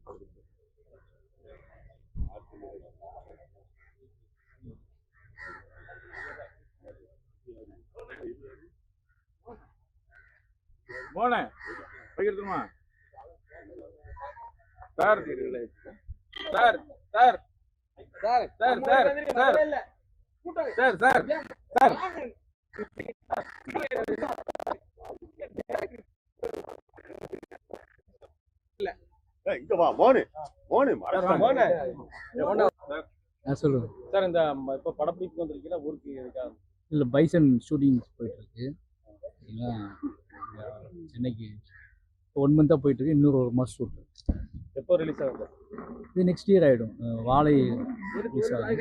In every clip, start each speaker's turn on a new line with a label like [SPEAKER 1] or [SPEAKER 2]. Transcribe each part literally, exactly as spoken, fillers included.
[SPEAKER 1] போனே பகிர்ந்துமா sir sir sir sir sir sir sir sir sir sir
[SPEAKER 2] இங்க வா மோனு மோனு மோனு
[SPEAKER 3] சொல்லுங்க
[SPEAKER 1] சார். இந்த இப்போ படப்பிடிப்பு வந்திருக்கீங்களா ஊருக்கு இருக்கா?
[SPEAKER 3] இல்லை பைசன் ஷூட்டிங் போயிட்டு இருக்கு. சென்னைக்கு ஒன் மந்த்தாக போயிட்டு இருக்கு. இன்னொரு ஒரு மாதம் ஷூட்.
[SPEAKER 1] எப்போ ரிலீஸ் ஆகுது?
[SPEAKER 3] இது நெக்ஸ்ட் இயர் ஆகிடும். வாழை ரிலீஸ் ஆகும்.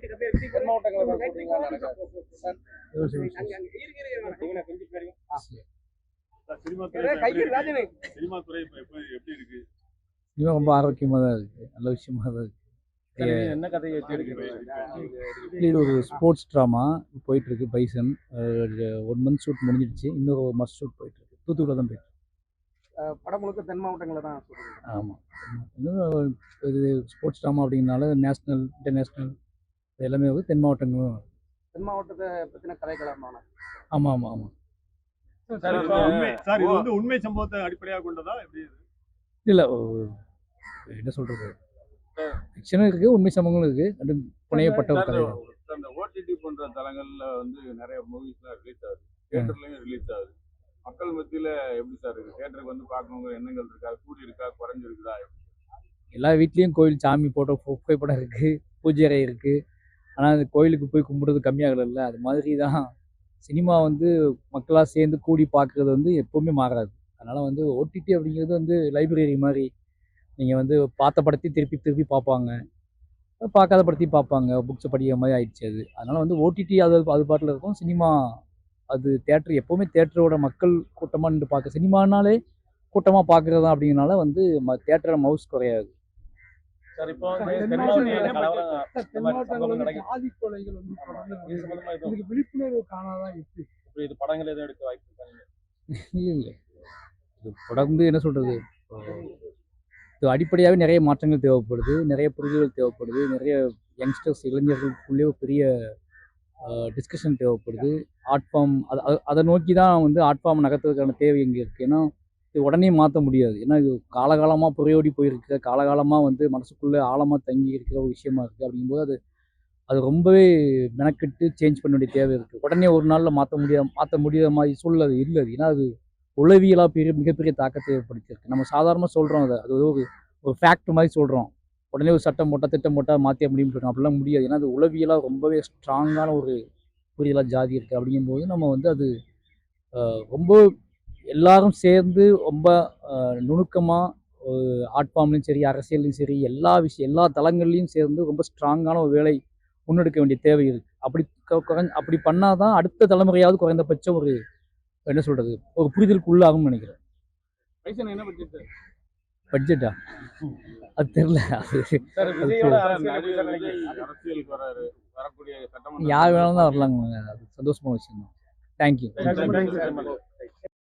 [SPEAKER 3] சினிமா ரொம்ப ஆரோக்கியமாக தான் இருக்கு. நல்ல விஷயமா தான் இருக்கு.
[SPEAKER 1] என்ன கதையை வச்சு எடுக்கிறீங்க?
[SPEAKER 3] இது ஒரு ஸ்போர்ட்ஸ் ட்ராமா போயிட்டு இருக்கு. பைசன் ஒன் மந்த் ஷூட் முடிஞ்சிடுச்சு. இன்னொரு ஒரு மாதம் ஷூட் போயிட்டு இருக்கு. தூத்துக்குடியில் தான் போயிட்டு
[SPEAKER 4] படம் முழுக்க தென் மாவட்டங்களில் தான்.
[SPEAKER 3] ஆமாம், இன்னும் இது ஸ்போர்ட்ஸ் ட்ராமா அப்படிங்கிறனால நேஷ்னல் இன்டர்நேஷ்னல் எல்லாமே வந்து தென் மாவட்டங்களும்.
[SPEAKER 4] தென் மாவட்டத்தை பற்றின கதைக்களமான.
[SPEAKER 3] ஆமாம் ஆமாம் ஆமாம்
[SPEAKER 2] சார். இது வந்து உண்மை சம்பவத்தை அடிப்படையாக கொண்டதா எப்படி?
[SPEAKER 3] இல்லை, என்ன சொல்றது, ஃபிக்ஷனும் இருக்குது, உண்மை சம்பவங்களும் இருக்குது. அது புனையப்பட்ட ஒரு கதை.
[SPEAKER 1] அந்த ஓடிடி போன்ற தளங்கள்ல வந்து நிறைய மூவிஸ்லாம் ரிலீஸ் ஆகுது, தியேட்டர்லயும் ரிலீஸ் ஆகுது. மக்கள் மத்தியில எப்படி சார் இருக்கு? தியேட்டருக்கு வந்து பார்க்கணுங்கிற எண்ணங்கள் இருக்கா? கூடி இருக்கா? குறைஞ்சிருக்குதா?
[SPEAKER 3] எல்லா வீட்லேயும் கோயில் சாமி போட்டோ புகைப்படம் இருக்குது, பூஜை அறை இருக்குது. ஆனால் அந்த கோயிலுக்கு போய் கும்பிடுறது கம்மியாகல. அது மாதிரி தான் சினிமா வந்து மக்களாக சேர்ந்து கூடி பார்க்குறது வந்து எப்போவுமே மாறாது. அதனால் வந்து ஓடிடி அப்படிங்கிறது வந்து லைப்ரரி மாதிரி. நீங்கள் வந்து பார்த்த படத்தையும் திருப்பி திருப்பி பார்ப்பாங்க, பார்க்காத படத்தையும் பார்ப்பாங்க, புக்ஸை படிக்கிற மாதிரி ஆயிடுச்சு அது. அதனால் வந்து ஓடிடி அது அது பாட்டில் இருக்கும். சினிமா அது தேட்டர் எப்போவுமே தேட்டரோட மக்கள் கூட்டமாக நின்று பார்க்க, சினிமானாலே கூட்டமாக பார்க்குறது தான். அப்படிங்கிறனால வந்து ம தேட்டரில் மவுஸ் குறையாது.
[SPEAKER 1] சார், இப்போ
[SPEAKER 4] விழிப்புணர்வு காணாதான் இருக்கு.
[SPEAKER 1] இது படங்கள் எதுவும் எடுக்க வாய்ப்பு இருக்காங்க?
[SPEAKER 3] இல்லை இல்லை, இது தொடர்ந்து என்ன சொல்கிறது, இது அடிப்படையாகவே நிறைய மாற்றங்கள் தேவைப்படுது, நிறைய புரிதல்கள் தேவைப்படுது, நிறைய யங்ஸ்டர்ஸ் இளைஞர்களுக்குள்ளே ஒரு பெரிய டிஸ்கஷன் தேவைப்படுது. ஆர்ட் ஃபார்ம் அதை அதை நோக்கி தான் வந்து ஆர்ட் ஃபார்ம் நகர்த்துறதுக்கான தேவை இங்கே இருக்குது. ஏன்னா இது உடனே மாற்ற முடியாது. ஏன்னா இது காலகாலமாக புறையோடி போயிருக்கிற, காலகாலமாக வந்து மனசுக்குள்ளே ஆழமாக தங்கி இருக்கிற ஒரு விஷயமா இருக்குது. அப்படிங்கும்போது அது அது ரொம்பவே மெனக்கெட்டு சேஞ்ச் பண்ண வேண்டிய தேவை இருக்குது. உடனே ஒரு நாளில் மாற்ற முடியாது மாற்ற முடியாத மாதிரி சூழ்நிலை இல்லை. ஏன்னா அது உளவியலாக பெரிய மிகப்பெரிய தாக்கத்தை ஏற்படுத்தியிருக்கு. நம்ம சாதாரணமாக சொல்கிறோம், அதை அது ஒரு ஒரு ஃபேக்ட் மாதிரி சொல்கிறோம். உடனே ஒரு சட்டம் போட்டால் திட்டம் போட்டால் மாற்ற முடியும்னு சொல்கிறோம். அப்படிலாம் முடியாது. ஏன்னா அது உளவியலாக ரொம்பவே ஸ்ட்ராங்கான ஒரு புரியலாக ஜாதி இருக்குது. அப்படிங்கும்போது நம்ம வந்து அது ரொம்ப எல்லாரும் சேர்ந்து ரொம்ப நுணுக்கமாக ஆர்ட் ஃபார்ம்லையும் சரி, அரசியல்லையும் சரி, எல்லா விஷயம் எல்லா தளங்கள்லையும் சேர்ந்து ரொம்ப ஸ்ட்ராங்கான ஒரு வேலை முன்னெடுக்க வேண்டிய தேவை இருக்குது. அப்படி குறைஞ்ச அப்படி பண்ணால் தான் அடுத்த தலைமுறையாவது குறைந்தபட்சம் ஒரு என்ன சொல்கிறது ஒரு புரிதலுக்கு உள்ளாகும்னு நினைக்கிறேன்.
[SPEAKER 1] என்ன பட்ஜெட்?
[SPEAKER 3] பட்ஜெட்டா அது தெரியல. யார் வேணாலும் தான் வரலாங்க. அது சந்தோஷமான விஷயம் தான். தேங்க்யூ.